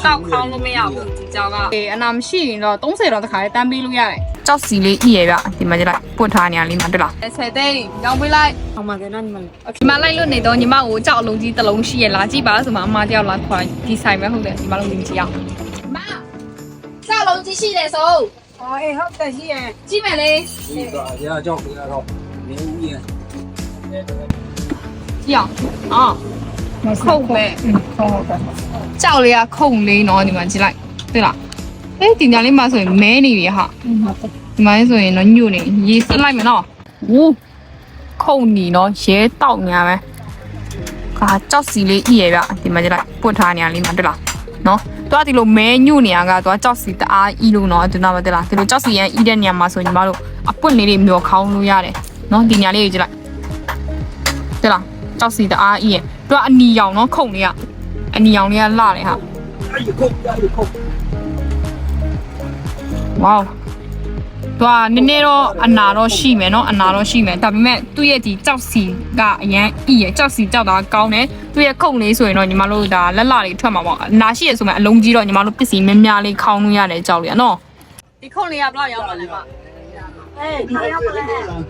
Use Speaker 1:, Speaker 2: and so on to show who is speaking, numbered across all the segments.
Speaker 1: ကောက်ခေါင်းလို့မရဘူးဒီကြောက်ကအနာမရှိရင်တော့30တော့တစ်ခါလေးတန်းပေးလို့ရတယ်ကြောက်စီလေးဤရဲ့ဗျဒီမှာကြည့်လိုက်ပွတ်ထားနေရလေးမှာတွေ့လား10သိန်းရောင်းပေးလိုက်အောင်ပါကဲနော်ညီမလေးဒီမှာလိုက်လို့နေတော့ညီမကိုကြောက်အလုံးကြီးတစ်လုံးရှိရလားကြည့်ပါဆိုမှအမတယောက်လာခွာဒီဆိုင်ပဲဟုတ်တယ်ညီမလုံးကြီးကြည့်အောင်မကြောက်လုံးကြီးရှိတယ်ဆိုအေးဟုတ်တယ်ရှိရကြည့်မယ်လေဒီကကြောက်ပြရတော့နေဦးရင်ကြည့်အောင်ခုတ်ပဲဟုတ်တယ်ကြောက်လေးကခုတ်လေးနော်ဒီမှာကြည့်လိုက်တွေ့လားဒီညာလေးမှာဆိုရင်မဲနေပြီဟာဒီမှာဆိုရင်တော့ညွတ်နေရေစစ်လိုက်မယ်နော်ဝူးခုတ်နီနော်ရဲတောက်ညာပဲကာကြောက်စီလေးဤရဲ့ဗျဒီမှာကြည့်လိုက်ပွတ်ထားနေရလေးမှာတွေ့လားနော်သူကဒီလိုမဲညွတ်နေရကသူကကြောက်စီတအားဤလို့နော်ဒီနာမတွေ့လားဒီလိုကြောက်စီရန်ဤတဲ့နေရာမှာဆိုညီမတို့အပွတ်လေးတွေမျောခေါင်းလို့ရတယ်နော်ဒီညာလေးကိုကြည့်လိုက်တွေ့လားကြောက်စီတအားဤရဲ့သူကအနီရောင်နော်ခုတ်နေရအနီရောင်လေးကလှတယ်ဟာဝေါသူကနည်းနည်းတော့အနာတော့ရှိမယ်နော်အနာတော့ရှိမယ်ဒါပေမဲ့သူ့ရဲ့ဒီကြောက်စီကအရန်ဤရဲ့ကြောက်စီကြောက်တာကောင်းတယ်သူ့ရဲ့ခုတ်လေးဆိုရင်တော့ညီမတို့ဒါလက်လေးထွက်မှာပေါ့အနာရှိရဆိုမှအလုံးကြီးတော့ညီမတို့ပစ္စည်းများများလေးခေါင်းလို့ရတယ်ကြောက်လေးနော်ဒီခုတ်လေးကဘယ်လောက်ရောက်ပါလဲမဒီရောက်ပါလဲ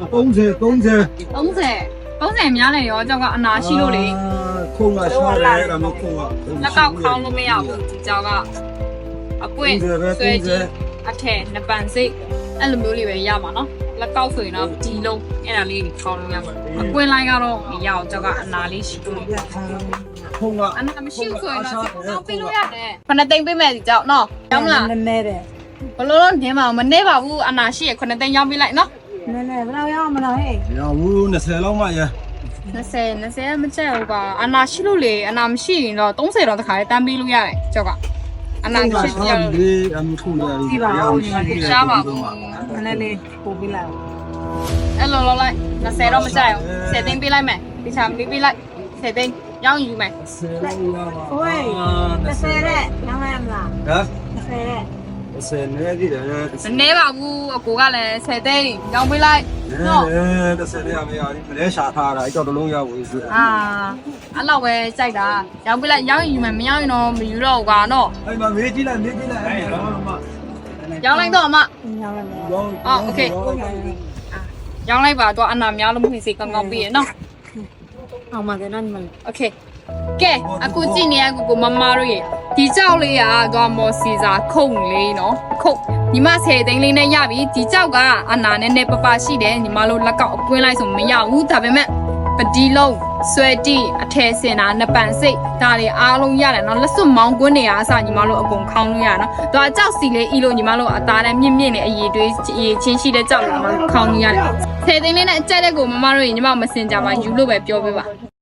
Speaker 1: 30များတယ်ရောကြောက်ကအနာရှိလို့လေ
Speaker 2: ခုံကရှားတယ်ကမခုံက
Speaker 1: လက်ကောက်ခေါင်းလို့မရဘူးဒီကြောက်ကအပွင့်ဆွဲကြီးအထက်နှစ်ပန်စိတ်အဲ့လိုမျိုးလေးပဲရမှာနော်လက်ကောက်ဆိုရင်တော့ဒီလုံးအဲ့ဒါလေးခေါင်းလို့ရမှာအပွင့်လိုက်ကတော့မရအောင်ကြောက်ကအနာလေးရှိလို့
Speaker 2: ခုံကအ
Speaker 1: နာမရှိဘူးဆိုရင်တော့ကောက်ပေးလို့ရတယ်ခဏသိမ့်ပေးမယ်ဒီကြောက်နော်ရောက်မလား
Speaker 3: နည်းနည်းတယ်
Speaker 1: ဘလို့တော့နင်းပါမနေပါဘူးအနာရှိရခဏသိမ့်ရောက်ပေးလိုက်နော်
Speaker 3: နည်းနည်းဘယ်လောက်ရောက်မလားဟဲ့
Speaker 2: ရောက်ဘူး20လောက်မှရ
Speaker 1: 20မချက်ဘူးကအနာရှိလို့လေအနာမရှိရင်တော့30တော့တစ်ခါလေးတန်းပေးလို့ရတယ်ကြောက်ကအနာရှိတယ်
Speaker 2: လေအမှုထုံးရတယ်
Speaker 1: ရှားပါဘူး
Speaker 3: နည်းနည်းလေးပို့ပေးလိုက်
Speaker 1: အဲ့လိုလောက်လိုက်20တော့မချက်အောင်10သိန်းပေးလိုက်မယ်ဒီချာပေးလိုက်10သိန်းရောင်းယူမယ်
Speaker 3: ဟိုး30တဲ့ရောင်းရမလား
Speaker 2: ဟမ်
Speaker 3: 30တဲ့
Speaker 2: 30နေသေးတယ်
Speaker 1: မနေပါဘူးအကိုကလည်း10သိန်းရောင်းပေးလိုက်
Speaker 2: နော်30ရမရဘူးမလဲရှာထားတာအဲ့တော့တလုံးရဘူးဆို
Speaker 1: အဲ့လောက်ပဲစိုက်တာရောင်းပေးလိုက်ရောင်းယူမယ်မရောင်းရင်တော့မယူတော့ဘူးကွာနော်
Speaker 2: အဲ့မှာမေးကြည့်လိုက်အဲ့
Speaker 1: ရောင်းလိုက်တော့အမ
Speaker 3: ရောင်းလိုက်မယ်
Speaker 1: โอเคရောင်းလိုက်ပါတော့အနာများလို့မဖြစ်စေကောင်းကောင်းပြီးရနော်
Speaker 3: အောင်ပါကဲနော်ညီမလေး
Speaker 1: โอเคကဲအခုကြည့်နေရကိုမမတို့ရေဒီကြောက်လေးကတော့မော်စီစာခုံလေးနော်ခုတ်ညီမ10သိန်းလေးနဲ့ရပြီဒီကြောက်ကအနာနဲ့နဲ့ပပရှိတယ်ညီမတို့လက်ကောက်အပွင့်လိုက်ဆိုမရဘူးဒါပေမဲ့ပဒီလုံးဆွဲတီအထည်စင်တာနှစ်ပန်စိတ်ဒါတွေအားလုံးရတယ်နော်လက်စွပ်မောင်းကွင်းနေရအစညီမတို့အကုန်ခေါင်းလို့ရနော်သူကကြောက်စီလေးဤလို့ညီမတို့အသားနဲ့မြင့်မြင့်နဲ့အည်တွေးအည်ချင်းရှိတဲ့ကြောက်လို့ညီမတို့ခေါင်းလို့ရတယ်10သိန်းလေးနဲ့အကြက်တဲ့ကိုမမတို့ရေညီမမစင်ကြပါယူလို့ပဲပြောပေးပါ